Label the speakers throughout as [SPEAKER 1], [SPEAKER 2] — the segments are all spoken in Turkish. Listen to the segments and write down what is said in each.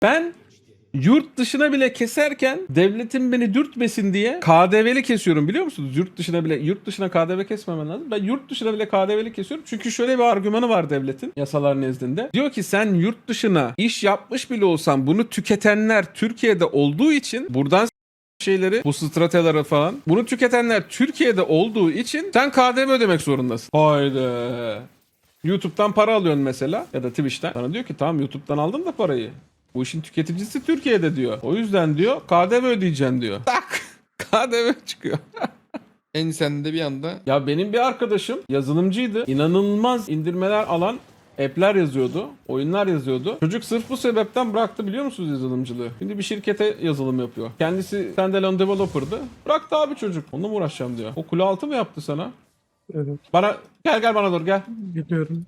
[SPEAKER 1] Ben yurt dışına bile keserken devletin beni dürtmesin diye KDV'li kesiyorum, biliyor musunuz? Yurt dışına KDV kesmemen lazım. Ben yurt dışına bile KDV'li kesiyorum. Çünkü şöyle bir argümanı var devletin yasalar nezdinde. Diyor ki sen yurt dışına iş yapmış bile olsan bunu tüketenler Türkiye'de olduğu için buradan şeyleri, bu stratejileri falan, bunu tüketenler Türkiye'de olduğu için sen KDV ödemek zorundasın. Haydi. YouTube'dan para alıyorsun mesela ya da Twitch'ten. Sana diyor ki tamam, YouTube'dan aldın da parayı. Bu işin tüketicisi Türkiye'de diyor. O yüzden diyor KDV ödeyeceksin diyor. Tak! KDV çıkıyor.
[SPEAKER 2] En sen de bir anda
[SPEAKER 1] Ya benim bir arkadaşım yazılımcıydı. İnanılmaz indirmeler alan app'ler yazıyordu. Oyunlar yazıyordu. Çocuk sırf bu sebepten bıraktı, biliyor musunuz yazılımcılığı? Şimdi bir şirkete yazılım yapıyor. Kendisi standalone developer'dı. Bıraktı abi çocuk. Onunla mı uğraşacağım diyor. O kule altı mı yaptı sana?
[SPEAKER 3] Evet,
[SPEAKER 1] Bana gel bana doğru gel.
[SPEAKER 3] biliyorum.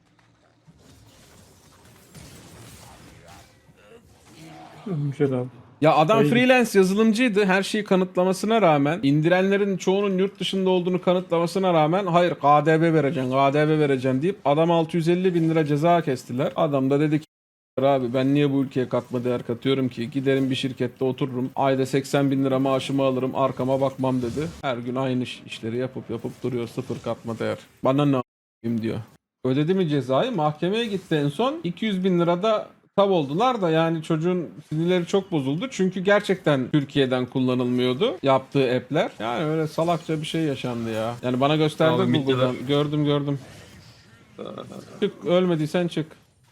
[SPEAKER 3] Ölmüşler abi.
[SPEAKER 1] Ya adam
[SPEAKER 3] Hayır.
[SPEAKER 1] freelance yazılımcıydı. Her şeyi kanıtlamasına rağmen, indirenlerin çoğunun yurt dışında olduğunu kanıtlamasına rağmen hayır KDV vereceksin, KDV vereceksin deyip adam 650 bin lira ceza kestiler. Adam da dedi ki abi ben niye bu ülkeye katma değer katıyorum ki? Giderim bir şirkette otururum. Ayda 80 bin lira maaşımı alırım. Arkama bakmam dedi. Her gün aynı işleri yapıp duruyor. Sıfır katma değer. Bana ne a**ayım diyor. Ödedi mi cezayı? Mahkemeye gitti en son. 200 bin lirada tav oldular da yani çocuğun sinirleri çok bozuldu. Çünkü gerçekten Türkiye'den kullanılmıyordu yaptığı app'ler. Yani öyle salakça bir şey yaşandı ya. Yani bana gösterdi
[SPEAKER 4] Abi,
[SPEAKER 1] Google'dan. Gördüm. Çık, ölmediysen çık.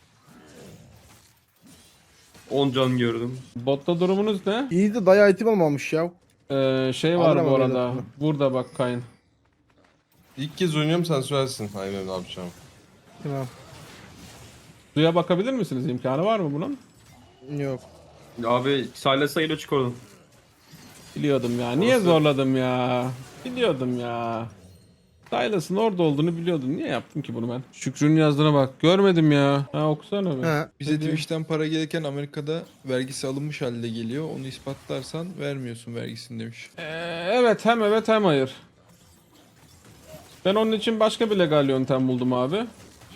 [SPEAKER 4] 10 can gördüm.
[SPEAKER 1] Botta durumunuz ne?
[SPEAKER 3] İyi de dayı item almamış ya.
[SPEAKER 1] Şey var
[SPEAKER 3] Alırım
[SPEAKER 1] bu
[SPEAKER 3] öyle
[SPEAKER 1] arada.
[SPEAKER 3] lafını.
[SPEAKER 1] Burada bak Kayn.
[SPEAKER 5] İlk kez oynuyorum, sen söylersin. Aynen, ne yapacağım.
[SPEAKER 3] Tamam.
[SPEAKER 1] Suya bakabilir misiniz? İmkanı var mı bunun?
[SPEAKER 3] Yok.
[SPEAKER 4] Abi Silas'a ile çık oradan.
[SPEAKER 1] Biliyordum ya. Niye
[SPEAKER 4] Orası-
[SPEAKER 1] zorladım ya? Biliyordum ya. Silas'ın orada olduğunu biliyordum. Niye yaptım ki bunu ben? Şükrü'nün yazdığına bak. Görmedim ya. Ha, okusana bir.
[SPEAKER 3] Ha.
[SPEAKER 2] bize Twitch'ten para gelirken Amerika'da vergisi alınmış halde geliyor. Onu ispatlarsan vermiyorsun vergisini demiş.
[SPEAKER 1] Evet, hem evet hem hayır. Ben onun için başka bir legal yöntem buldum abi.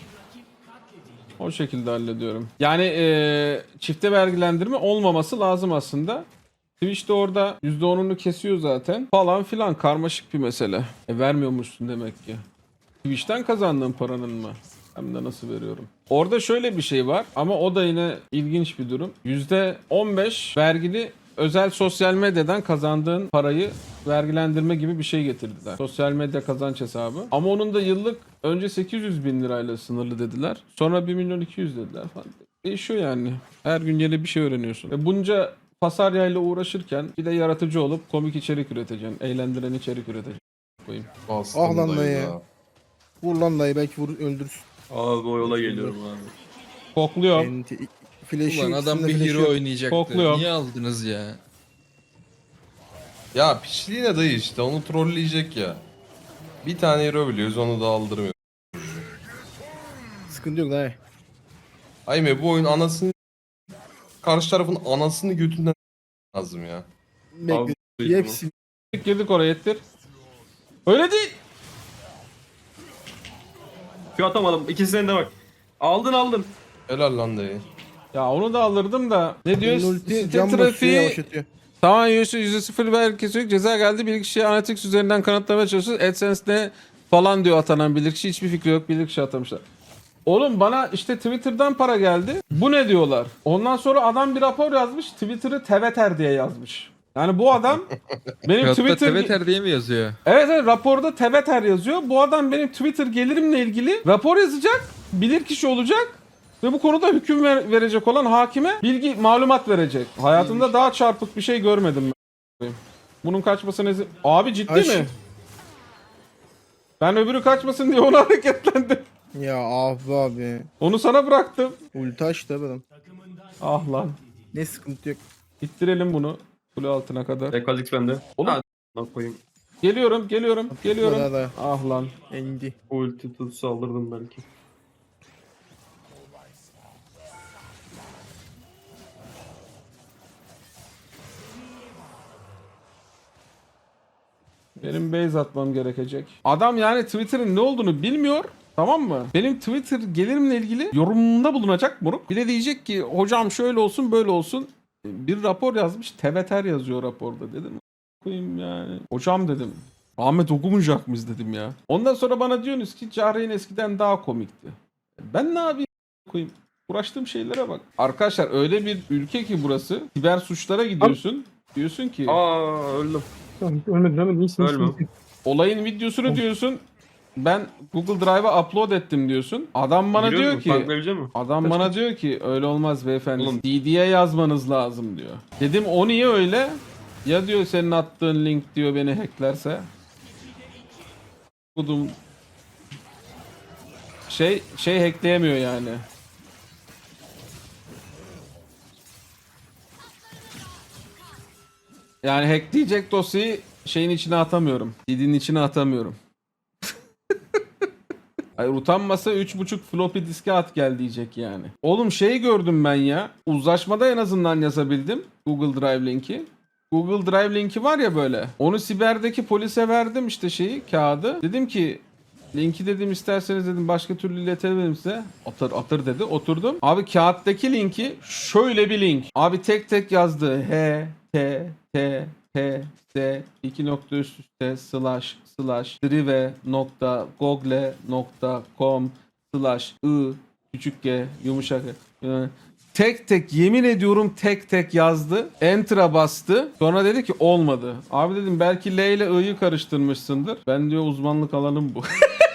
[SPEAKER 1] O şekilde hallediyorum. Yani çifte vergilendirme olmaması lazım aslında. Twitch de orada %10'unu kesiyor zaten. Falan filan, karmaşık bir mesele. Vermiyormuşsun demek ki. Twitch'ten kazandığın paranın mı? Hem de nasıl veriyorum? Orada şöyle bir şey var ama o da yine ilginç bir durum. %15 vergili özel sosyal medyadan kazandığın parayı vergilendirme gibi bir şey getirdiler. Sosyal medya kazanç hesabı. Ama onun da yıllık önce 800 bin lirayla sınırlı dediler. Sonra 1 milyon 200 dediler falan. Değişiyor yani. Her gün yeni bir şey öğreniyorsun. Ve bunca pasaryayla uğraşırken bir de yaratıcı olup komik içerik üreteceksin. Eğlendiren içerik üreteceksin. Koyayım.
[SPEAKER 5] Bastım
[SPEAKER 3] Ah lan dayı.
[SPEAKER 5] da.
[SPEAKER 3] Vur lan dayı, belki öldürsün.
[SPEAKER 4] Abi o yola geliyorum abi.
[SPEAKER 1] Kokluyorum.
[SPEAKER 3] Enti. Flash'i
[SPEAKER 2] Ulan adam
[SPEAKER 3] ikisinde
[SPEAKER 2] bir
[SPEAKER 3] flash'i
[SPEAKER 2] hero
[SPEAKER 3] yok.
[SPEAKER 2] oynayacaktı.
[SPEAKER 1] Kokluyor.
[SPEAKER 2] Niye aldınız ya?
[SPEAKER 5] Ya piçliğine dayı işte, onu trolleyecek ya. Bir tane hero biliyoruz, onu da aldırmıyor.
[SPEAKER 3] Sıkıntı yok dayı.
[SPEAKER 5] Ayme, bu oyun anasını... Karşı tarafın anasını götünden lazım ya.
[SPEAKER 3] Bekle.
[SPEAKER 4] Abi,
[SPEAKER 3] Hepsi.
[SPEAKER 1] Girdik oraya, ettir. Öyle değil.
[SPEAKER 4] Şu atamadım. İkisine de bak. Aldın.
[SPEAKER 5] Helal lan dayı.
[SPEAKER 1] Ya onu da alırdım da. Ne diyor?
[SPEAKER 3] Ulti
[SPEAKER 1] Site
[SPEAKER 3] cam basıyor,
[SPEAKER 1] trafiği
[SPEAKER 3] yavaşlatıyor.
[SPEAKER 1] tamam, %0 vergi kesiyor. Ceza geldi. Bilirkişi Analytics üzerinden kanıtlamaya çalışıyoruz. AdSense'de falan diyor atanan bilirkişi. Hiçbir fikri yok. Bilirkişi atamışlar. Oğlum bana işte Twitter'dan para geldi. Bu ne diyorlar? Ondan sonra adam bir rapor yazmış. Twitter'ı teveter diye yazmış. Yani bu adam benim
[SPEAKER 2] Hatta
[SPEAKER 1] Twitter...
[SPEAKER 2] Teveter diye mi yazıyor?
[SPEAKER 1] Evet, raporda teveter yazıyor. Bu adam benim Twitter gelirimle ilgili rapor yazacak. Bilirkişi olacak. Ve bu konuda hüküm verecek olan hakime malumat verecek. Hayatımda daha çarpık bir şey görmedim ben. Bunun kaçmasını Abi ciddi
[SPEAKER 3] Aş-
[SPEAKER 1] mi? Ben öbürü kaçmasın diye onu hareketlendim.
[SPEAKER 3] Ya abi.
[SPEAKER 1] Onu sana bıraktım.
[SPEAKER 3] Ulti açtı abi adam.
[SPEAKER 1] Ah lan.
[SPEAKER 3] Ne sıkıntı yok.
[SPEAKER 1] İttirelim bunu kule altına kadar.
[SPEAKER 4] Ekalix bende.
[SPEAKER 1] Oğlum.
[SPEAKER 4] Hadi lan koyayım.
[SPEAKER 1] Geliyorum.
[SPEAKER 3] Daha da
[SPEAKER 1] Ah lan.
[SPEAKER 3] indi.
[SPEAKER 4] Ulti tut saldırdım belki.
[SPEAKER 1] Benim base atmam gerekecek. Adam yani Twitter'ın ne olduğunu bilmiyor. Tamam mı? Benim Twitter gelirimle ilgili yorumunda bulunacak moruk. Bir de diyecek ki hocam şöyle olsun böyle olsun. Bir rapor yazmış. Teveter yazıyor raporda dedim. Koyayım yani. Hocam dedim. Ahmet okumayacak mıyız dedim ya. Ondan sonra bana diyorsunuz ki Cahreyn eskiden daha komikti. Ben ne yapayım koyayım? Uğraştığım şeylere bak. Arkadaşlar öyle bir ülke ki burası. Siber suçlara gidiyorsun. Diyorsun ki
[SPEAKER 4] Aa öldüm.
[SPEAKER 6] Tamam, ölmedin, iyisin.
[SPEAKER 4] Ölme.
[SPEAKER 1] olayın videosunu diyorsun. Ben Google Drive'a upload ettim diyorsun. Adam bana
[SPEAKER 4] Giriyor
[SPEAKER 1] diyor
[SPEAKER 4] mu?
[SPEAKER 1] ki
[SPEAKER 4] Tanklayabilecek mi?
[SPEAKER 1] adam bana diyor ki öyle olmaz beyefendi.
[SPEAKER 4] Oğlum.
[SPEAKER 1] DD'ye yazmanız lazım diyor. Dedim o niye öyle? Ya diyor senin attığın link diyor beni hacklerse. Budum şey hackleyemiyor yani. Yani hackleyecek dosyayı şeyin içine atamıyorum. DD'nin içine atamıyorum. Hayır utanmasa 3.5 floppy diske at gel diyecek yani. Oğlum şey gördüm ben ya. Uzlaşmada en azından yazabildim. Google Drive linki. Google Drive linki var ya böyle. Onu siberdeki polise verdim işte şeyi kağıdı. Dedim ki linki dedim isterseniz dedim başka türlü iletebilirim size. Atır dedi. Oturdum. Abi kağıttaki linki şöyle bir link. Abi tek tek yazdı. h.t.t.s 2 nokta üst üste / drive.google.com / küçük g yumuşak tek tek yemin ediyorum tek tek yazdı. Enter'a bastı. Sonra dedi ki olmadı. Abi dedim belki L ile I'yi karıştırmışsındır. Ben diyor uzmanlık alanım bu.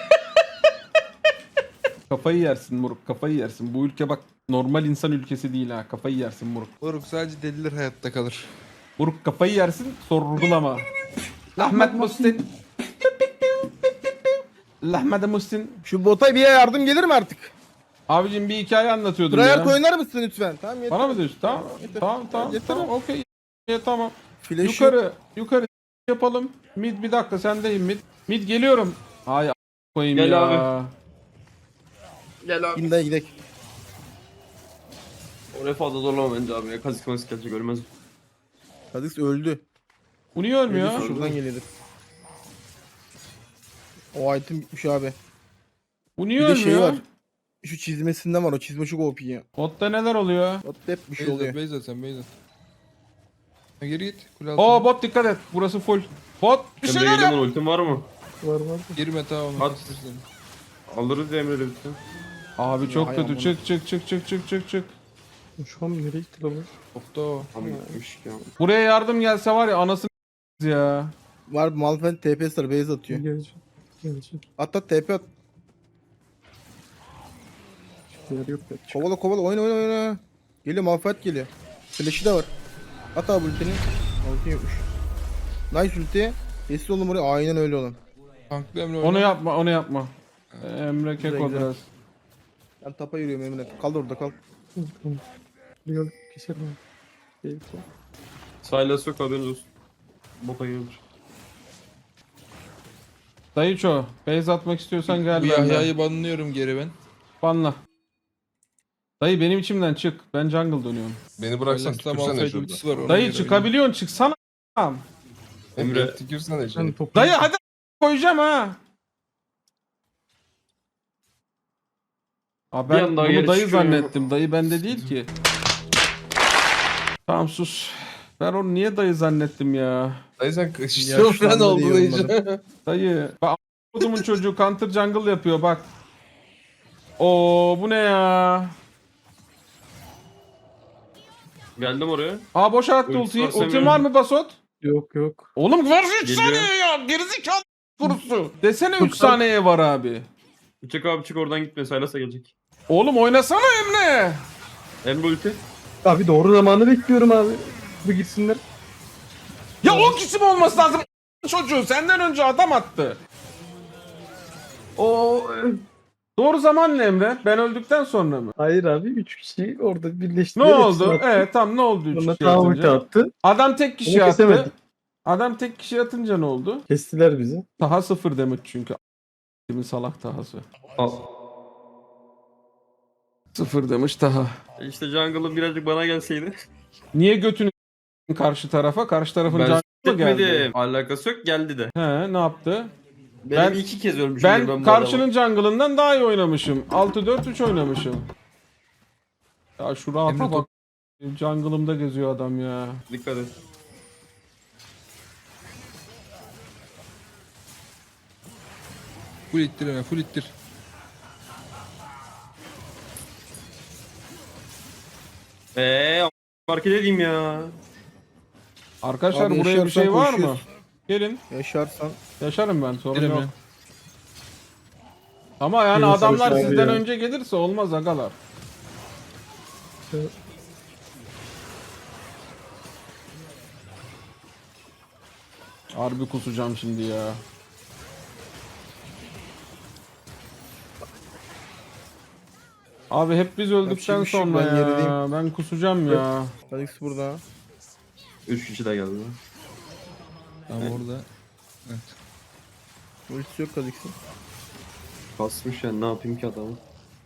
[SPEAKER 1] Kafayı yersin moruk kafayı yersin. Bu ülke bak normal insan ülkesi değil ha. Kafayı yersin moruk.
[SPEAKER 2] Moruk sadece deliler hayatta kalır.
[SPEAKER 1] Moruk kafayı yersin sorgulama. Lahmet Muhsin. Lahmet Muhsin.
[SPEAKER 3] Şu bota bir yardım gelir mi artık?
[SPEAKER 1] Abicim bir hikaye anlatıyordum
[SPEAKER 3] Trial
[SPEAKER 1] ya.
[SPEAKER 3] oynar mısın lütfen? Tamam yeter.
[SPEAKER 1] Bana mı diyorsun? Tamam.
[SPEAKER 3] Yeter.
[SPEAKER 1] Tamam.
[SPEAKER 3] Yeter.
[SPEAKER 1] Tamam. Okey. Tamam.
[SPEAKER 3] Flash yok.
[SPEAKER 1] Yukarı yapalım. Mid bir dakika sendeyim mid. Mid geliyorum. Ay koyayım
[SPEAKER 4] Gel
[SPEAKER 1] ya.
[SPEAKER 4] abi. Gel abi.
[SPEAKER 3] Gidin gidelim.
[SPEAKER 4] Oraya fazla zorlama bence abi ya. Kazık mazık gelecek ölmez.
[SPEAKER 3] Kha'Zix öldü.
[SPEAKER 1] Bu niye ölmüyor?
[SPEAKER 3] Öldüyse şuradan geliyordur. O item bitmiş abi.
[SPEAKER 1] Bu niye
[SPEAKER 3] Bir de şey
[SPEAKER 1] ölmüyor?
[SPEAKER 3] var. Şu çizmesinden var, o çizme çok OP ya.
[SPEAKER 1] Botta neler oluyor?
[SPEAKER 3] Botta hep bir şey oluyor.
[SPEAKER 2] Beyza sen Beyza. Ha, geri git. Kule altına.
[SPEAKER 1] Oo bot dikkat et. Burası full. Bot bir
[SPEAKER 4] Emre
[SPEAKER 1] şeyler
[SPEAKER 4] geliyor
[SPEAKER 1] yap.
[SPEAKER 4] mu? Ultim var mı?
[SPEAKER 6] Var.
[SPEAKER 2] Girme tamam.
[SPEAKER 4] At.
[SPEAKER 2] At.
[SPEAKER 4] Alırız ya Emre'yle ultim.
[SPEAKER 1] Abi çok
[SPEAKER 3] Hay
[SPEAKER 1] kötü.
[SPEAKER 3] aman.
[SPEAKER 1] Çık.
[SPEAKER 6] Şu an nereye gitti lan bu?
[SPEAKER 2] Topta o.
[SPEAKER 4] Abi gitmiş ya.
[SPEAKER 1] Buraya yardım gelse var ya anasını ya.
[SPEAKER 3] Var Malphite TP'si var, base atıyor.
[SPEAKER 6] Geleceğim.
[SPEAKER 3] At TP at.
[SPEAKER 6] Yer yok ya.
[SPEAKER 3] Kovala oyna. Geliyor Malphite geliyor. Flash'ı da var. At abi ultini. Ulti yokmuş. Nice ulti. Kesin oğlum oraya, aynen öyle oğlum.
[SPEAKER 2] Tanklı Emre
[SPEAKER 1] Onu
[SPEAKER 2] oyna.
[SPEAKER 1] yapma. Emre Keko
[SPEAKER 3] Güzel.
[SPEAKER 1] biraz.
[SPEAKER 3] Ben tapa yürüyorum Emre. Kal orada kal.
[SPEAKER 6] Yok keserim abi. Değil ki.
[SPEAKER 4] Silas yok haberiniz olsun. Bota gelir.
[SPEAKER 1] Dayıço, base atmak istiyorsan gel
[SPEAKER 2] Bu
[SPEAKER 1] benden.
[SPEAKER 2] Yahya'yı banlıyorum geri ben.
[SPEAKER 1] Banla. Dayı benim içimden çık. Ben jungle dönüyorum.
[SPEAKER 5] Beni bıraksan
[SPEAKER 2] Silas'ta
[SPEAKER 5] tükürsene
[SPEAKER 2] Malphite
[SPEAKER 5] şurada.
[SPEAKER 2] ultisi var. ona
[SPEAKER 1] Dayı
[SPEAKER 2] göre
[SPEAKER 1] çıkabiliyorsun çıksana.
[SPEAKER 5] Emre.
[SPEAKER 4] Emre.
[SPEAKER 5] Tükürsene
[SPEAKER 6] Ben
[SPEAKER 5] şurada.
[SPEAKER 6] topu.
[SPEAKER 1] Dayı hadi koyacağım ha. Abi
[SPEAKER 4] Bir
[SPEAKER 1] ben
[SPEAKER 4] anda
[SPEAKER 1] bunu
[SPEAKER 4] geri
[SPEAKER 1] dayı
[SPEAKER 4] çıkıyor.
[SPEAKER 1] zannettim. Dayı bende değil ki. Tamam sus. Ben onu niye dayı zannettim ya?
[SPEAKER 5] Dayı sen
[SPEAKER 3] Yaşlandı
[SPEAKER 5] şizofren oldun
[SPEAKER 3] diye
[SPEAKER 5] iyice.
[SPEAKER 1] Dayı. Bak a**odumun çocuğu counter jungle yapıyor bak. Oo bu ne ya?
[SPEAKER 4] Geldim oraya.
[SPEAKER 1] Aa boş attı
[SPEAKER 4] Ultisi
[SPEAKER 1] ultiyi.
[SPEAKER 4] var,
[SPEAKER 1] Ultin
[SPEAKER 4] Semih'in.
[SPEAKER 1] var mı Basot?
[SPEAKER 6] Yok.
[SPEAKER 1] Oğlum var 3
[SPEAKER 4] Geliyor.
[SPEAKER 1] saniye ya. Gerizekalı kurusu. Desene 3 saniye var abi.
[SPEAKER 4] Çık abi çık oradan gitme. Silas'a gelecek.
[SPEAKER 1] Oğlum oynasana Emre.
[SPEAKER 4] Emre ulti.
[SPEAKER 6] Abi doğru zamanı bekliyorum abi. Bu gitsinler.
[SPEAKER 1] Ya o kişi mi olması lazım? Çocuğu senden önce adam attı.
[SPEAKER 4] Oo.
[SPEAKER 1] Doğru zaman ne Emre? Ben öldükten sonra mı?
[SPEAKER 6] Hayır abi 3 kişi orada birleşti.
[SPEAKER 1] Ne oldu? Evet tamam ne oldu 3
[SPEAKER 6] Sonra
[SPEAKER 1] kişi
[SPEAKER 6] daha ulti
[SPEAKER 1] atınca?
[SPEAKER 6] attı.
[SPEAKER 1] Adam tek kişi
[SPEAKER 6] Onu
[SPEAKER 1] attı.
[SPEAKER 6] kesemedik.
[SPEAKER 1] Adam tek kişi atınca ne oldu?
[SPEAKER 6] Kestiler bizi.
[SPEAKER 1] Taha 0 demek çünkü. Kimin salak Taha'sı.
[SPEAKER 4] Al.
[SPEAKER 1] 0 demiş Taha.
[SPEAKER 4] İşte jungle'ın birazcık bana gelseydi.
[SPEAKER 1] Niye götünü karşı tarafa? Karşı tarafın
[SPEAKER 4] Ben
[SPEAKER 1] canı mı geldi?
[SPEAKER 4] etmedim. Alakası yok geldi de.
[SPEAKER 1] He ne yaptı?
[SPEAKER 4] Benim
[SPEAKER 1] Ben-
[SPEAKER 4] 2 kez ölmüşüm.
[SPEAKER 1] Ben
[SPEAKER 4] bu adama.
[SPEAKER 1] karşının jungle'ından daha iyi oynamışım. 6-4-3 oynamışım. Ya şu rahata
[SPEAKER 2] Emre
[SPEAKER 1] bak. Jungle'ımda geziyor adam ya.
[SPEAKER 4] Dikkat et.
[SPEAKER 2] Full ittir Emre, full ittir.
[SPEAKER 4] Fark edeyim ya.
[SPEAKER 1] Arkadaşlar
[SPEAKER 3] Abi
[SPEAKER 1] buraya bir şey
[SPEAKER 3] yaşarsan
[SPEAKER 1] var mı?
[SPEAKER 3] koşuyoruz.
[SPEAKER 1] Gelin.
[SPEAKER 3] Yaşarsan.
[SPEAKER 1] Yaşarım ben, sorun
[SPEAKER 2] Emre.
[SPEAKER 1] yok. Ama yani
[SPEAKER 6] Yunus
[SPEAKER 1] adamlar
[SPEAKER 6] abi
[SPEAKER 1] sizden
[SPEAKER 6] ya.
[SPEAKER 1] önce gelirse olmaz agalar. Harbi kusacağım şimdi ya. Abi hep biz öldükten
[SPEAKER 3] bir şey yok,
[SPEAKER 1] sonra
[SPEAKER 3] ben
[SPEAKER 1] ya.
[SPEAKER 3] gerideyim.
[SPEAKER 1] Ben kusacağım ya.
[SPEAKER 3] Alex burada.
[SPEAKER 4] 3 kişi de geldi.
[SPEAKER 2] Tamam orada. Evet.
[SPEAKER 3] Ultisi yok Alex'in.
[SPEAKER 4] Kasmış yani, ne yapayım ki adamı.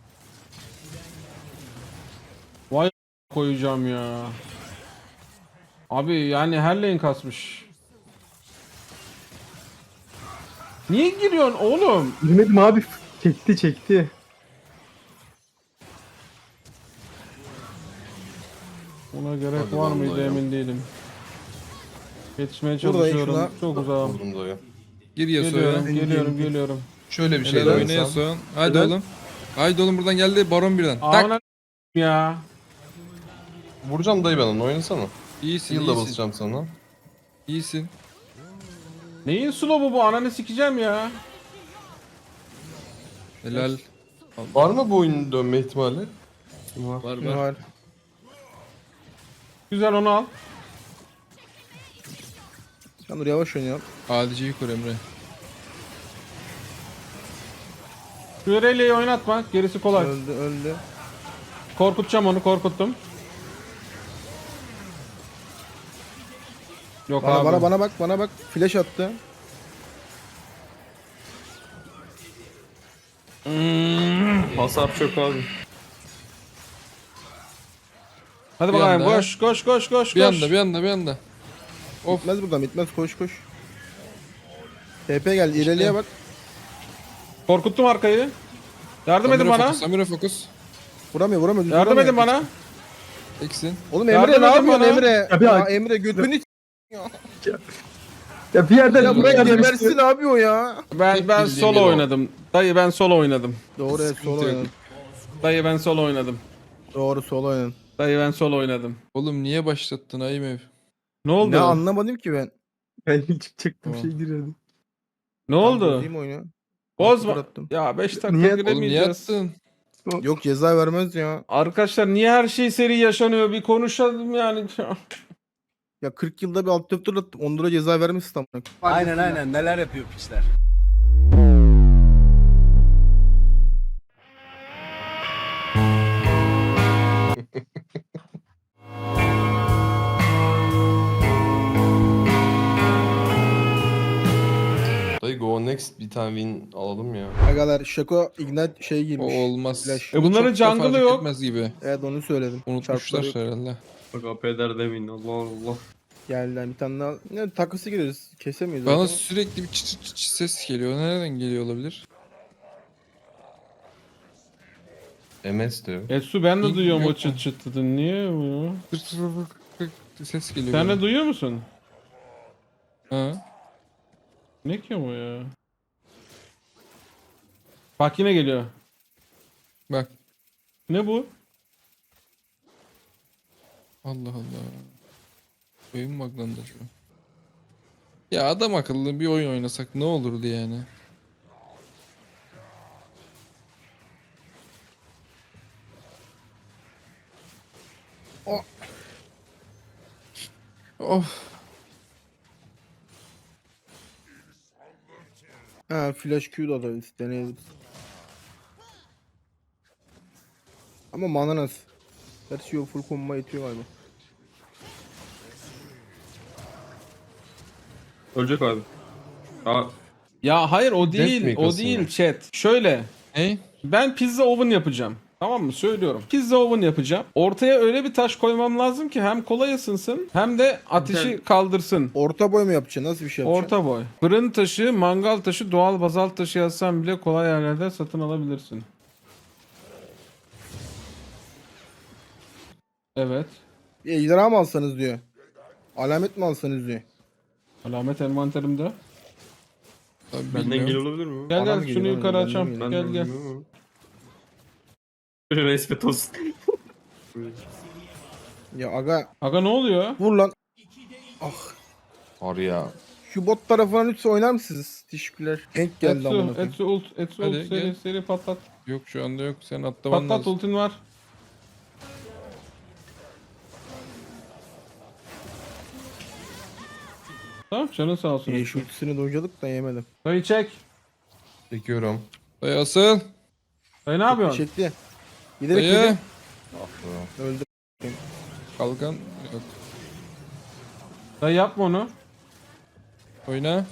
[SPEAKER 1] Vay koyacağım ya. Abi yani her lane kasmış. Niye giriyorsun oğlum?
[SPEAKER 6] Bilmedim abi. Çekti.
[SPEAKER 1] Buna gerek
[SPEAKER 5] Hadi
[SPEAKER 1] var
[SPEAKER 5] vallahi
[SPEAKER 1] mıydı
[SPEAKER 5] ya.
[SPEAKER 1] emin değilim. Yetişmeye
[SPEAKER 3] Buradayım
[SPEAKER 1] çalışıyorum.
[SPEAKER 3] şuna.
[SPEAKER 1] Çok uzağım.
[SPEAKER 5] Vurdum dayı.
[SPEAKER 2] Gir Yasuo'ya.
[SPEAKER 1] Geliyorum.
[SPEAKER 5] Şöyle bir şey
[SPEAKER 2] Helal
[SPEAKER 5] de
[SPEAKER 2] oyna
[SPEAKER 5] oynasam.
[SPEAKER 2] Yasuo. Haydi
[SPEAKER 6] Helal.
[SPEAKER 2] oğlum. Haydi oğlum buradan geldi Baron birden. Tak.
[SPEAKER 1] Amına ya.
[SPEAKER 5] Vuracağım dayı ben onu, oynasana.
[SPEAKER 2] İyisin,
[SPEAKER 5] Heal da
[SPEAKER 2] iyisin.
[SPEAKER 5] basacağım sana.
[SPEAKER 2] İyisin.
[SPEAKER 1] Neyin slow'u bu? Ananı sikeceğim ya.
[SPEAKER 2] Helal.
[SPEAKER 5] Var mı bu oyunun dönme ihtimali?
[SPEAKER 2] Var
[SPEAKER 3] Ne
[SPEAKER 2] var.
[SPEAKER 3] var?
[SPEAKER 1] Güzel, onu al.
[SPEAKER 3] Sen dur yavaş oynayalım.
[SPEAKER 2] ADC'yi kur Emre.
[SPEAKER 1] Şu Irelia oynatma. Gerisi kolay.
[SPEAKER 3] Öldü.
[SPEAKER 1] Korkutacağım onu. Korkuttum. Yok abi.
[SPEAKER 3] Bana bak. Flash attı.
[SPEAKER 4] Hasar çok abi.
[SPEAKER 1] Hadi
[SPEAKER 2] Bir
[SPEAKER 1] bakayım.
[SPEAKER 2] anda.
[SPEAKER 1] Koş.
[SPEAKER 2] Bir anda. Of.
[SPEAKER 3] Bitmez buradan bitmez koş. TP geldi. İleriye bak.
[SPEAKER 1] Korkuttum arkayı. Yardım edin bana.
[SPEAKER 2] Samira fokus.
[SPEAKER 3] Vuramıyor. düz
[SPEAKER 1] Yardım
[SPEAKER 3] vuramıyor.
[SPEAKER 1] edin bana.
[SPEAKER 2] Eksin.
[SPEAKER 3] Oğlum
[SPEAKER 1] Yardım
[SPEAKER 3] Emre ne
[SPEAKER 1] edin
[SPEAKER 3] yapıyorsun
[SPEAKER 1] bana.
[SPEAKER 3] Emre?
[SPEAKER 6] Ya bir
[SPEAKER 3] Ya
[SPEAKER 6] ay-
[SPEAKER 3] Emre götünü
[SPEAKER 6] Ya bir yerden
[SPEAKER 3] ya
[SPEAKER 6] bir
[SPEAKER 3] bırak
[SPEAKER 6] yerden
[SPEAKER 3] gebersin abi o ya.
[SPEAKER 1] Ben
[SPEAKER 2] Tek bildiğim
[SPEAKER 1] solo
[SPEAKER 2] yeri o.
[SPEAKER 1] oynadım. Dayı ben solo oynadım.
[SPEAKER 3] Doğru evet solo
[SPEAKER 2] yok.
[SPEAKER 3] oynadın.
[SPEAKER 1] Dayı ben solo oynadım.
[SPEAKER 3] Doğru solo oynadın.
[SPEAKER 1] Dayı ben solo oynadım.
[SPEAKER 2] Oğlum niye başlattın Aymev?
[SPEAKER 1] Ne oldu?
[SPEAKER 3] Ne anlamadım ki ben.
[SPEAKER 6] Ben çıkacaktım
[SPEAKER 2] Tamam.
[SPEAKER 6] şey giriyordum.
[SPEAKER 1] Ne oldu?
[SPEAKER 3] Bozayım oyunu.
[SPEAKER 1] Bozma.
[SPEAKER 3] Sıfır attım.
[SPEAKER 1] Ya 5 dakika
[SPEAKER 6] Niye-
[SPEAKER 2] Oğlum niye
[SPEAKER 1] giremeyeceğiz.
[SPEAKER 2] attın?
[SPEAKER 3] Yok ceza vermez ya.
[SPEAKER 1] Arkadaşlar niye her şey seri yaşanıyor? Bir konuşalım yani.
[SPEAKER 3] Ya 40 yılda bir alt F4 attım. 10 lira ceza vermişsin tam.
[SPEAKER 7] Aynen neler yapıyor pisler.
[SPEAKER 5] Dayı go next bir tane win alalım ya.
[SPEAKER 3] Agalar Şako Ignite şey
[SPEAKER 2] O
[SPEAKER 3] girmiş.
[SPEAKER 2] olmaz.
[SPEAKER 3] Flash.
[SPEAKER 1] Bunların
[SPEAKER 2] Çok da
[SPEAKER 1] jungle'ı
[SPEAKER 2] fark
[SPEAKER 1] yok.
[SPEAKER 2] etmez gibi.
[SPEAKER 3] Evet onu söyledim.
[SPEAKER 2] Unutmuşlar
[SPEAKER 3] Çarpları
[SPEAKER 2] herhalde.
[SPEAKER 4] Bak apeder demeyin, Allah Allah.
[SPEAKER 3] geldi. Bir tane daha. Ne takısı gireriz. Kesemiyoruz.
[SPEAKER 2] Bana
[SPEAKER 3] zaten.
[SPEAKER 2] sürekli bir çıt çıt çıt ses geliyor. Nereden geliyor olabilir?
[SPEAKER 5] MS diyor.
[SPEAKER 1] Etsu ben de
[SPEAKER 2] Yok
[SPEAKER 1] duyuyorum o
[SPEAKER 2] mu?
[SPEAKER 1] çıt çıt dedin. Niye bu?
[SPEAKER 2] Tık tık tık tık tık ses geliyor.
[SPEAKER 1] Sen
[SPEAKER 2] bana.
[SPEAKER 1] de duyuyor musun?
[SPEAKER 2] Ha?
[SPEAKER 1] Ne ki o ya? Bak yine geliyor.
[SPEAKER 2] Bak.
[SPEAKER 1] Ne bu?
[SPEAKER 2] Allah Allah. Oyun buglandı şu an. Ya adam akıllı bir oyun oynasak ne olurdu yani? Of.
[SPEAKER 3] Ha flash Q da alabiliriz. Deneyebiliriz. Ama mana nasıl? Gerçi yok full combo yetiyor galiba.
[SPEAKER 4] Ölecek abi. Aa,
[SPEAKER 1] Ya hayır o
[SPEAKER 5] Death
[SPEAKER 1] değil.
[SPEAKER 5] mi
[SPEAKER 1] O
[SPEAKER 5] kasıyor?
[SPEAKER 1] değil chat. Şöyle.
[SPEAKER 2] Ne?
[SPEAKER 1] Ben pizza oven yapacağım. Tamam mı? Söylüyorum. Pizza oven yapacağım. Ortaya öyle bir taş koymam lazım ki hem kolay ısınsın hem de ateşi
[SPEAKER 4] Güzel.
[SPEAKER 1] kaldırsın.
[SPEAKER 3] Orta boy mu yapacaksın? Nasıl bir şey yapacaksın?
[SPEAKER 1] Orta boy. Fırın taşı, mangal taşı, doğal bazalt taşı yazsan bile kolay yerlerde satın alabilirsin. Evet.
[SPEAKER 3] Bir ejderha mı alsanız diyor. Alamet mi alsanız diyor.
[SPEAKER 1] Alamet envanterimde.
[SPEAKER 2] Abi
[SPEAKER 4] Benden
[SPEAKER 2] bilmiyorum.
[SPEAKER 4] gel olabilir mi?
[SPEAKER 1] Gel
[SPEAKER 3] Bana mı
[SPEAKER 1] gel
[SPEAKER 3] geliyor,
[SPEAKER 1] şunu
[SPEAKER 3] bana
[SPEAKER 1] yukarı
[SPEAKER 3] geliyor,
[SPEAKER 1] açalım.
[SPEAKER 3] bana mı
[SPEAKER 1] Gel gel.
[SPEAKER 4] Böyle respet olsun.
[SPEAKER 3] Ya aga
[SPEAKER 1] Aga ne oluyor?
[SPEAKER 3] vur lan.
[SPEAKER 5] Var ya.
[SPEAKER 3] Şu bot tarafına lütfen oynar mısınız? Teşekkürler. Denk geldi amına
[SPEAKER 1] Etsu,
[SPEAKER 3] koyayım.
[SPEAKER 1] Etsu ult, Etsu
[SPEAKER 2] Hadi
[SPEAKER 1] ult seri
[SPEAKER 2] gel.
[SPEAKER 1] seri patlat.
[SPEAKER 2] Yok şu anda yok. Sen atlaman
[SPEAKER 1] Patlat
[SPEAKER 2] lazım.
[SPEAKER 1] ultin var. Tamam canın sağ olsun.
[SPEAKER 3] Şu ultisini dojladık da yemedim.
[SPEAKER 1] Dayı çek.
[SPEAKER 5] Çekiyorum.
[SPEAKER 2] Dayı asıl.
[SPEAKER 1] Dayı ne yapıyorsun?
[SPEAKER 3] Çekti. Giderek
[SPEAKER 2] Dayı.
[SPEAKER 3] yedi. Öldü.
[SPEAKER 2] Kalkan yok.
[SPEAKER 1] Dayı yapma onu.
[SPEAKER 2] Oyna.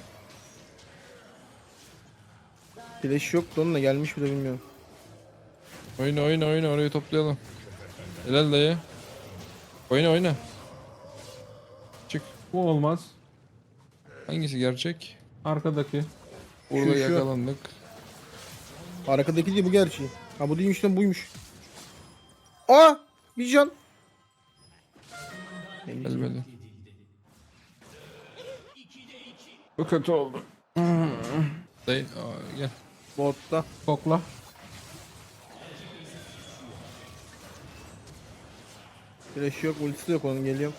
[SPEAKER 3] Flash yoktu onun da gelmiş bile bilmiyorum.
[SPEAKER 2] Oyna oyna oyna orayı toplayalım. Helal dayı. Oyna oyna. Çık.
[SPEAKER 1] Bu olmaz.
[SPEAKER 2] Hangisi gerçek?
[SPEAKER 1] Arkadaki.
[SPEAKER 2] Burada
[SPEAKER 3] Şu.
[SPEAKER 2] yakalandık.
[SPEAKER 3] Arkadaki değil bu gerçeği. Ha bu değilmiş lan buymuş. Aa! Bir can.
[SPEAKER 2] Gelmedi.
[SPEAKER 1] Bu kötü oldu.
[SPEAKER 2] Dayı aa, gel.
[SPEAKER 3] Botta.
[SPEAKER 1] Kokla.
[SPEAKER 3] Flash yok, ultisi de yok onun geliyor.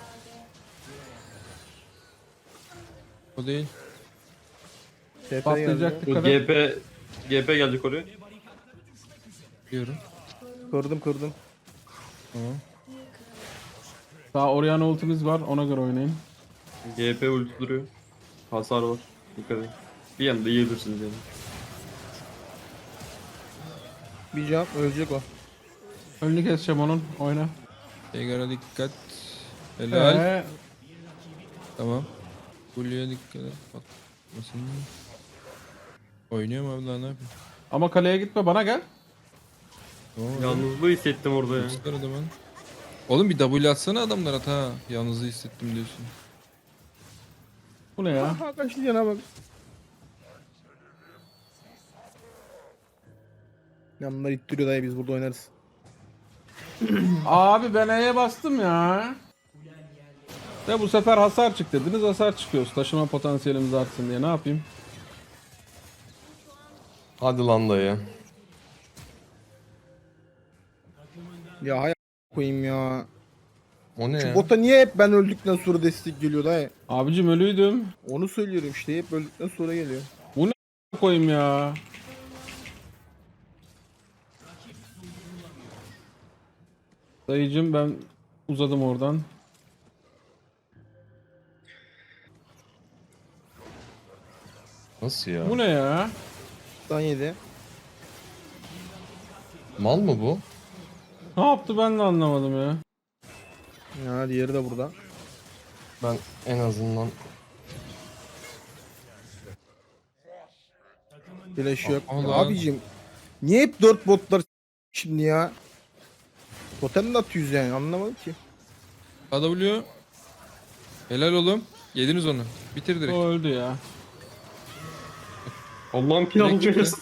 [SPEAKER 2] O değil.
[SPEAKER 3] TP geldi.
[SPEAKER 1] Patlayacak
[SPEAKER 4] Bu
[SPEAKER 1] dikkat et.
[SPEAKER 4] GP gelecek oraya.
[SPEAKER 2] Diyorum.
[SPEAKER 3] Kırdım.
[SPEAKER 2] Tamam.
[SPEAKER 1] Daha Orianna ultimiz var ona göre oynayın.
[SPEAKER 4] GP ulti duruyor. Hasar var. Dikkat edin. Bir yanda yiyebilirsiniz yani.
[SPEAKER 3] Bir can ölecek o.
[SPEAKER 1] Önünü keseceğim onun. Oyna.
[SPEAKER 2] Tegar'a dikkat. Helal.
[SPEAKER 1] Ee,
[SPEAKER 2] Tamam. Kuleye dikkat et. Patlasın. Oynuyorum abi daha ne yapayım?
[SPEAKER 1] ama kaleye gitme bana gel.
[SPEAKER 2] Tamam.
[SPEAKER 4] Yalnızlığı hissettim orada ya.
[SPEAKER 2] Çıkar adamı. Oğlum bir W atsana adamlar at ha. Yalnızlığı hissettim diyorsun.
[SPEAKER 1] Bu ne ya?
[SPEAKER 3] Aha kaçtı cana bak. Yanlar ittiriyor dayı biz burada oynarız.
[SPEAKER 1] Abi ben E'ye bastım ya. De bu sefer hasar çık dediniz, hasar çıkıyoruz. Taşıma potansiyelimiz artsın diye ne yapayım?
[SPEAKER 5] Hadi lan dayı.
[SPEAKER 3] Ya hay koyayım ya.
[SPEAKER 5] O ne
[SPEAKER 3] Şu
[SPEAKER 5] ya?
[SPEAKER 3] bota niye hep ben öldükten sonra destek geliyor dayı?
[SPEAKER 1] Abicim ölüydüm.
[SPEAKER 3] Onu söylüyorum işte hep öldükten sonra geliyor.
[SPEAKER 1] Koyayım ya. Dayıcım ben uzadım oradan.
[SPEAKER 5] Nasıl ya?
[SPEAKER 1] Bu ne ya?
[SPEAKER 3] Dan yedi.
[SPEAKER 5] Mal mı bu?
[SPEAKER 1] Ne yaptı ben de anlamadım ya.
[SPEAKER 3] Ya diğeri de burada.
[SPEAKER 5] Ben en azından
[SPEAKER 3] Flash yok.
[SPEAKER 2] Allah.
[SPEAKER 3] Ya abicim niye hep 4 botlar şimdi ya? Totem de atıyoruz yani anlamadım ki.
[SPEAKER 2] AW. Helal oğlum. Yediniz onu. Bitir direkt.
[SPEAKER 1] O öldü ya.
[SPEAKER 4] Allah'ım pil
[SPEAKER 2] Direkt çıktı.
[SPEAKER 4] alacağız.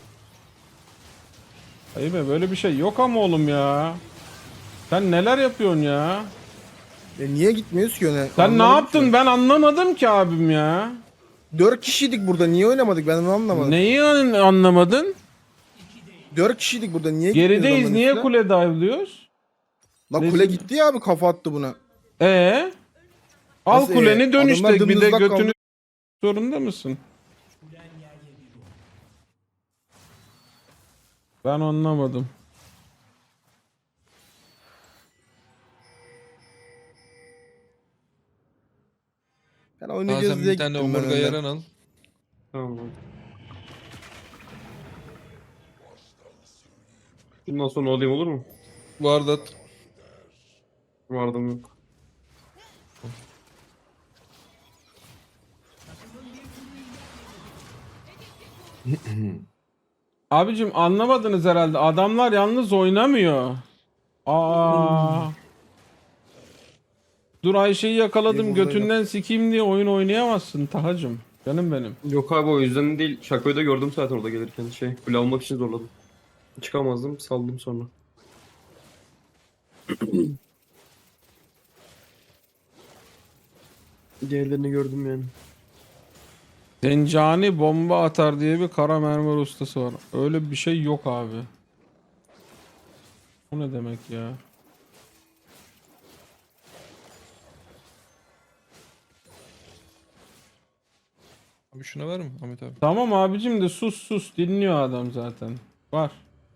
[SPEAKER 1] Hayır be böyle bir şey yok ama oğlum ya. Sen neler yapıyorsun ya?
[SPEAKER 3] Niye gitmiyoruz ki öne?
[SPEAKER 1] Sen ne
[SPEAKER 3] Anlamadım
[SPEAKER 1] yaptın
[SPEAKER 3] ki.
[SPEAKER 1] ben anlamadım ki abim ya.
[SPEAKER 3] 4 kişiydik burada niye oynamadık ben onu anlamadım.
[SPEAKER 1] Neyi anlamadın?
[SPEAKER 3] 4 kişiydik burada niye gitmiyoruz
[SPEAKER 1] Gerideyiz
[SPEAKER 3] onların
[SPEAKER 1] niye
[SPEAKER 3] üstüne?
[SPEAKER 1] kule dive'lıyoruz?
[SPEAKER 3] Lan kule gitti ya abi kafa attı buna.
[SPEAKER 1] Al
[SPEAKER 3] Nasıl,
[SPEAKER 1] kuleni dön
[SPEAKER 3] adamlar
[SPEAKER 1] işte bir de
[SPEAKER 3] dımdızlak
[SPEAKER 1] götünü
[SPEAKER 3] kaldı.
[SPEAKER 1] zorunda mısın? Ben anlamadım.
[SPEAKER 3] Ben
[SPEAKER 2] Aa,
[SPEAKER 3] oynayacağız
[SPEAKER 2] sen
[SPEAKER 3] diye
[SPEAKER 2] bir tane
[SPEAKER 3] gittim ben
[SPEAKER 2] omurga
[SPEAKER 3] önden.
[SPEAKER 2] yaran al.
[SPEAKER 4] Tamam. Bundan sonra alayım olur mu?
[SPEAKER 2] Vardat.
[SPEAKER 4] Vardım yok.
[SPEAKER 1] Abicim anlamadınız herhalde. Adamlar yalnız oynamıyor. Aa. Dur Ayşe'yi yakaladım
[SPEAKER 3] İyi, buradaydı.
[SPEAKER 1] götünden sikeyim diye oyun oynayamazsın Tahacım. Canım benim.
[SPEAKER 4] Yok abi o yüzden değil. Şakoyu da gördüm zaten orada gelirken. Kule almak için zorladım. Çıkamazdım saldım sonra. Diğerlerini gördüm yani.
[SPEAKER 1] Zencani bomba atar diye bir kara mermer ustası var. Öyle bir şey yok abi. Bu ne demek ya?
[SPEAKER 2] Abi şuna var mı Ahmet abi?
[SPEAKER 1] Tamam abicim de sus sus dinliyor adam zaten. Var.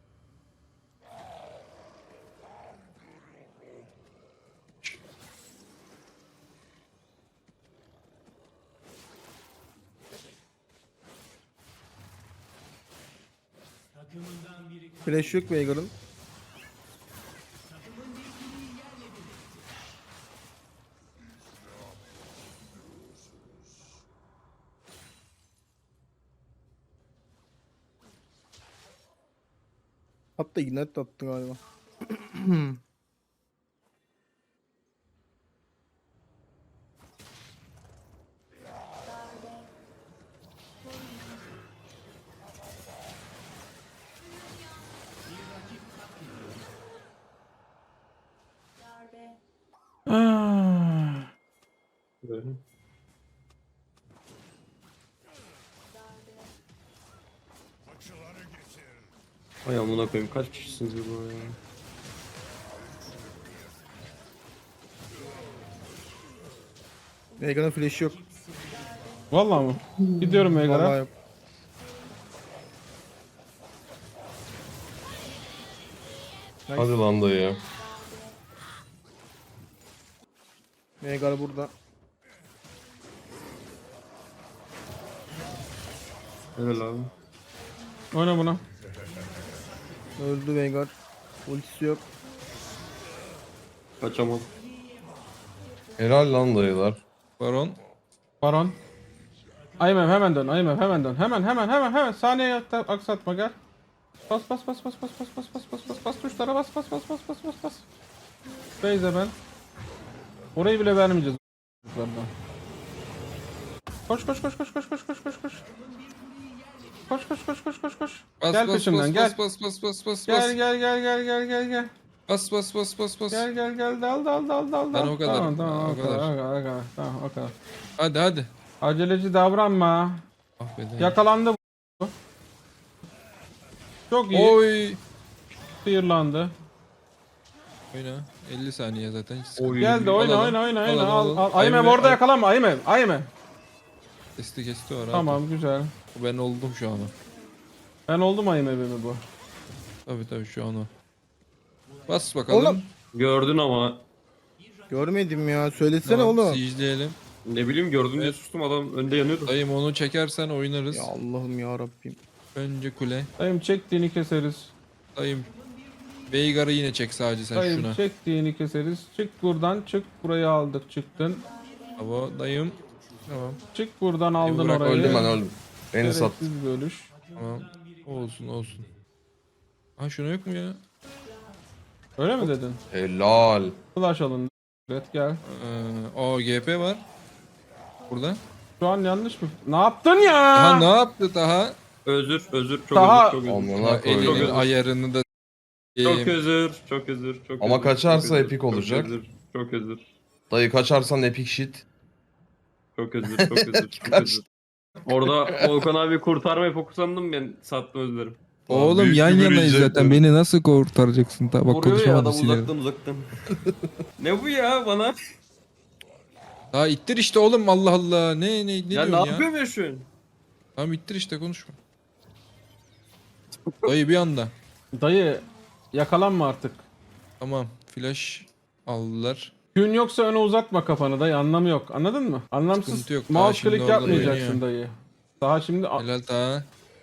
[SPEAKER 3] Flash yok Veigar'ın. Hatta ignite attı galiba.
[SPEAKER 1] Ah.
[SPEAKER 4] Böyle. Ay amına koyayım kaç kişisiniz burada ya?
[SPEAKER 3] Veigar'ın flash'i yok.
[SPEAKER 1] Vallahi mı? Gidiyorum
[SPEAKER 3] Vallahi
[SPEAKER 1] Veigar'a.
[SPEAKER 3] yok.
[SPEAKER 5] Hadi lan dayı.
[SPEAKER 3] Veigar burada.
[SPEAKER 4] Helal abi.
[SPEAKER 1] Oyna buna.
[SPEAKER 3] Öldü Veigar. Ultisi yok.
[SPEAKER 4] Kaçamam.
[SPEAKER 5] Helal lan dayılar.
[SPEAKER 2] Baron.
[SPEAKER 1] Baron. Aymem hemen dön. Aymem hemen dön. Hemen. Saniye aksatma gel. Bas. Tuşlara bas. Beyze ben. Orayı bile vermeyeceğiz. Koş. Koş.
[SPEAKER 2] Bas,
[SPEAKER 1] Gel
[SPEAKER 2] bas,
[SPEAKER 1] peşimden
[SPEAKER 2] bas,
[SPEAKER 1] gel.
[SPEAKER 2] bas.
[SPEAKER 1] Gel.
[SPEAKER 2] Bas.
[SPEAKER 1] Gel. Dal.
[SPEAKER 2] Ben o kadar,
[SPEAKER 1] Tamam,
[SPEAKER 2] o kadar.
[SPEAKER 1] Tamam, o kadar.
[SPEAKER 2] Hadi.
[SPEAKER 1] Aceleci davranma.
[SPEAKER 2] Ah be dayı.
[SPEAKER 1] Yakalandı bu. Çok iyi.
[SPEAKER 2] Oy.
[SPEAKER 1] Sıyırlandı.
[SPEAKER 2] Oyna. 50 saniye zaten. Hiç sıkıntı
[SPEAKER 4] Oy.
[SPEAKER 2] yok.
[SPEAKER 1] Geldi oyna.
[SPEAKER 2] Alalım.
[SPEAKER 1] Al. Aymen orada yakalanma Aymen.
[SPEAKER 2] Kesti o rahat.
[SPEAKER 1] Tamam güzel.
[SPEAKER 2] Ben oldum şu an o.
[SPEAKER 1] Ben oldum Aymen'imi bu.
[SPEAKER 2] Tabii şu an o. Bas bakalım.
[SPEAKER 3] Oğlum.
[SPEAKER 4] Gördün ama
[SPEAKER 3] Görmedim ya. Söylesene
[SPEAKER 2] Tamam,
[SPEAKER 3] oğlum.
[SPEAKER 2] siege'leyelim.
[SPEAKER 4] ne bileyim gördüm diye
[SPEAKER 2] Evet.
[SPEAKER 4] sustum adam önde yanıyordu.
[SPEAKER 2] Dayım onu çekersen oynarız.
[SPEAKER 3] Ya Allah'ım ya Rabbim.
[SPEAKER 2] Önce kule.
[SPEAKER 1] Dayım çektiğini keseriz.
[SPEAKER 2] Dayım. Veigar'ı yine çek sadece sen
[SPEAKER 1] Dayım
[SPEAKER 2] şuna.
[SPEAKER 1] çektiğini keseriz. Çık buradan çık. Burayı aldık çıktın.
[SPEAKER 2] Bravo dayım. Tamam.
[SPEAKER 1] Çık buradan aldın
[SPEAKER 2] bırak,
[SPEAKER 1] orayı.
[SPEAKER 5] Öldüm ben öldüm. Beni sat.
[SPEAKER 1] Gereksiz bir ölüş.
[SPEAKER 2] Tamam. Olsun. Ha şuna yok mu ya?
[SPEAKER 1] Öyle mi dedin?
[SPEAKER 5] Helal.
[SPEAKER 1] Flash alın. Evet gel.
[SPEAKER 2] O GP var. Burada.
[SPEAKER 1] Şu an yanlış mı? Ne yaptın ya?
[SPEAKER 2] Aha ne yaptı daha?
[SPEAKER 4] Özür çok
[SPEAKER 1] Daha-
[SPEAKER 4] özür.
[SPEAKER 5] Amına
[SPEAKER 2] Elinin
[SPEAKER 5] koyayım.
[SPEAKER 2] ayarını da
[SPEAKER 4] Çok özür.
[SPEAKER 5] Ama kaçarsa
[SPEAKER 4] çok
[SPEAKER 5] epik olacak.
[SPEAKER 4] Çok özür.
[SPEAKER 5] Dayı kaçarsan epic shit.
[SPEAKER 4] Çok özür. Orada Volkan abi kurtarmayı fokuslandım ben sattım özlerim.
[SPEAKER 2] Oğlum
[SPEAKER 5] Büyük
[SPEAKER 2] yan
[SPEAKER 5] bir
[SPEAKER 2] yanayız
[SPEAKER 5] yiyecek
[SPEAKER 2] zaten.
[SPEAKER 5] bu.
[SPEAKER 2] Beni nasıl kurtaracaksın? Bak
[SPEAKER 4] Vuruyor ya
[SPEAKER 2] konuşamadım
[SPEAKER 4] adam
[SPEAKER 2] silerim.
[SPEAKER 4] uzaktan. Ne bu ya bana?
[SPEAKER 2] Daha ittir işte oğlum Allah Allah. Ne
[SPEAKER 4] Ya
[SPEAKER 2] diyorsun
[SPEAKER 4] ne
[SPEAKER 2] ya?
[SPEAKER 4] yapıyorum ya şu an?
[SPEAKER 2] Tamam ittir işte konuşma. Dayı bir anda.
[SPEAKER 1] Dayı yakalanma artık.
[SPEAKER 2] Tamam flash aldılar.
[SPEAKER 1] Gün yoksa öne uzatma kafanı dayı anlamı yok. Anladın mı? Anlamsız
[SPEAKER 2] Sıkıntı yok, daha
[SPEAKER 1] mouse
[SPEAKER 2] şimdi
[SPEAKER 1] click
[SPEAKER 2] oradan
[SPEAKER 1] yapmayacaksın
[SPEAKER 2] oynuyor.
[SPEAKER 1] dayı. Daha şimdi
[SPEAKER 2] Helal daha.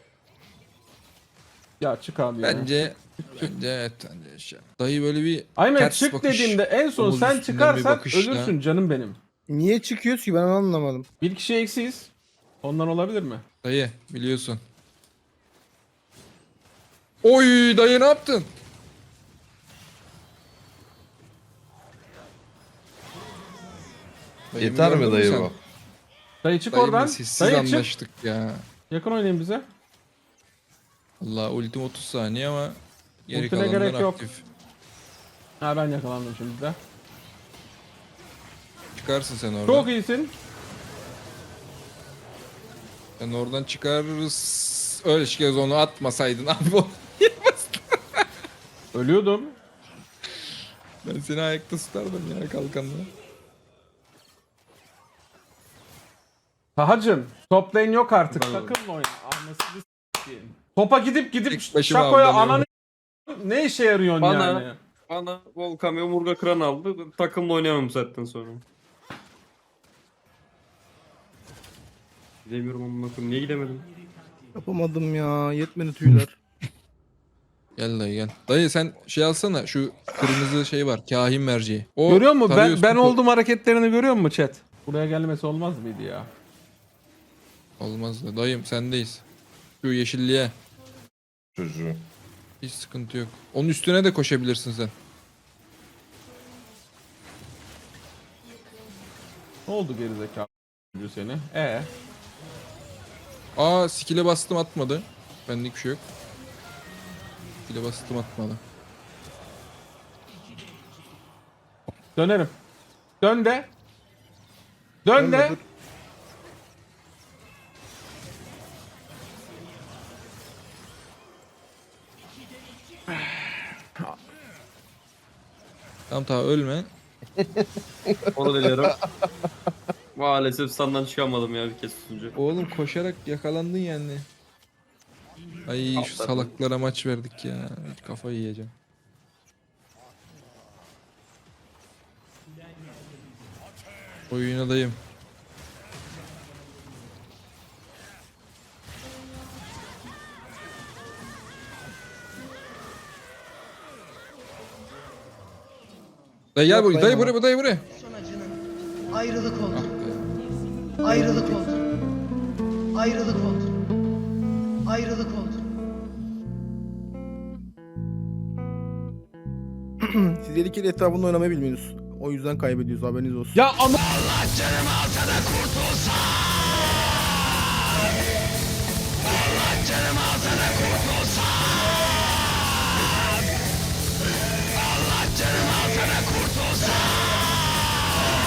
[SPEAKER 1] ya çık abi ya.
[SPEAKER 2] Bence evet bence şey. Dayı böyle bir
[SPEAKER 1] Aynen
[SPEAKER 2] ters
[SPEAKER 1] çık
[SPEAKER 2] bakış,
[SPEAKER 1] dediğimde en son
[SPEAKER 2] omuz
[SPEAKER 1] sen
[SPEAKER 2] üstünden bir
[SPEAKER 1] çıkarsan
[SPEAKER 2] bakışla.
[SPEAKER 1] ölürsün canım benim.
[SPEAKER 3] Niye çıkıyoruz ki ben anlamadım.
[SPEAKER 1] Bir kişi eksiyiz. Ondan olabilir mi?
[SPEAKER 2] Dayı biliyorsun. Oy dayı ne yaptın? Dayı,
[SPEAKER 5] Yeter mi
[SPEAKER 2] gördün
[SPEAKER 5] dayı
[SPEAKER 2] sen?
[SPEAKER 5] bu?
[SPEAKER 1] Dayı çık
[SPEAKER 2] Dayımla
[SPEAKER 1] oradan.
[SPEAKER 2] sessiz
[SPEAKER 1] Dayı çık.
[SPEAKER 2] anlaştık ya.
[SPEAKER 1] Yakın oynayın bize.
[SPEAKER 2] Allah ultim 30 saniye ama geri
[SPEAKER 1] Ultine
[SPEAKER 2] kalanlar
[SPEAKER 1] gerek yok.
[SPEAKER 2] aktif.
[SPEAKER 1] Ha ben yakalandım şimdi de.
[SPEAKER 2] Çıkarsın sen oradan.
[SPEAKER 1] Çok iyisin.
[SPEAKER 2] Sen oradan çıkarırız. Öyle kez onu atmasaydın abi.
[SPEAKER 1] Ölüyordum.
[SPEAKER 2] Ben seni ayakta tutardım ya kalkanla.
[SPEAKER 1] Tahacım top lane yok artık. Takımla oyna. Anasını s**eyim. Topa gidip
[SPEAKER 2] Tek başıma
[SPEAKER 1] Şako'ya
[SPEAKER 2] avlanıyorum.
[SPEAKER 1] ananı ne işe yarıyorsun
[SPEAKER 4] Bana-
[SPEAKER 1] yani?
[SPEAKER 4] Bana Volkan ve omurga kıran aldı. Takımla oynayamam zaten sonra. Gidemiyorum amına koyayım. Niye gidemedim?
[SPEAKER 3] Yapamadım ya. Yetmedi tüyler.
[SPEAKER 2] Gel dayı gel. Dayı sen şey alsana şu kırmızı şey var kahin merceği. O
[SPEAKER 1] Görüyor musun?
[SPEAKER 2] tarıyorsun,
[SPEAKER 1] Ben oldum hareketlerini görüyor musun chat? Buraya gelmesi olmaz mıydı ya?
[SPEAKER 2] Olmaz da dayım sendeyiz. Şu yeşilliğe
[SPEAKER 5] Çocuğu.
[SPEAKER 2] hiç sıkıntı yok. Onun üstüne de koşabilirsin sen.
[SPEAKER 1] Ne oldu gerizekalı seni?
[SPEAKER 2] Aa skill'e bastım atmadı. Benlik bir şey yok. Skill'e bastım atmadı.
[SPEAKER 1] Dönerim. Dön de. Dön de.
[SPEAKER 3] Dur.
[SPEAKER 2] Tamam ölme.
[SPEAKER 4] Onu diliyorum. Maalesef standdan çıkamadım ya bir kez tutunca.
[SPEAKER 2] Oğlum koşarak yakalandın yani. Ay şu salaklara maç verdik ya. Kafayı yiyeceğim. Oyuna dayım. Dayı gel buraya, dayı buraya, dayı buraya.
[SPEAKER 8] Son acının ayrılık oldu.
[SPEAKER 2] Ah be.
[SPEAKER 8] Ayrılık oldu. Ayrılık oldu. Ayrılık oldu.
[SPEAKER 3] Siz 7 kere etrafında oynamayı bilmiyorsunuz. O yüzden kaybediyoruz, haberiniz olsun.
[SPEAKER 1] Ya ama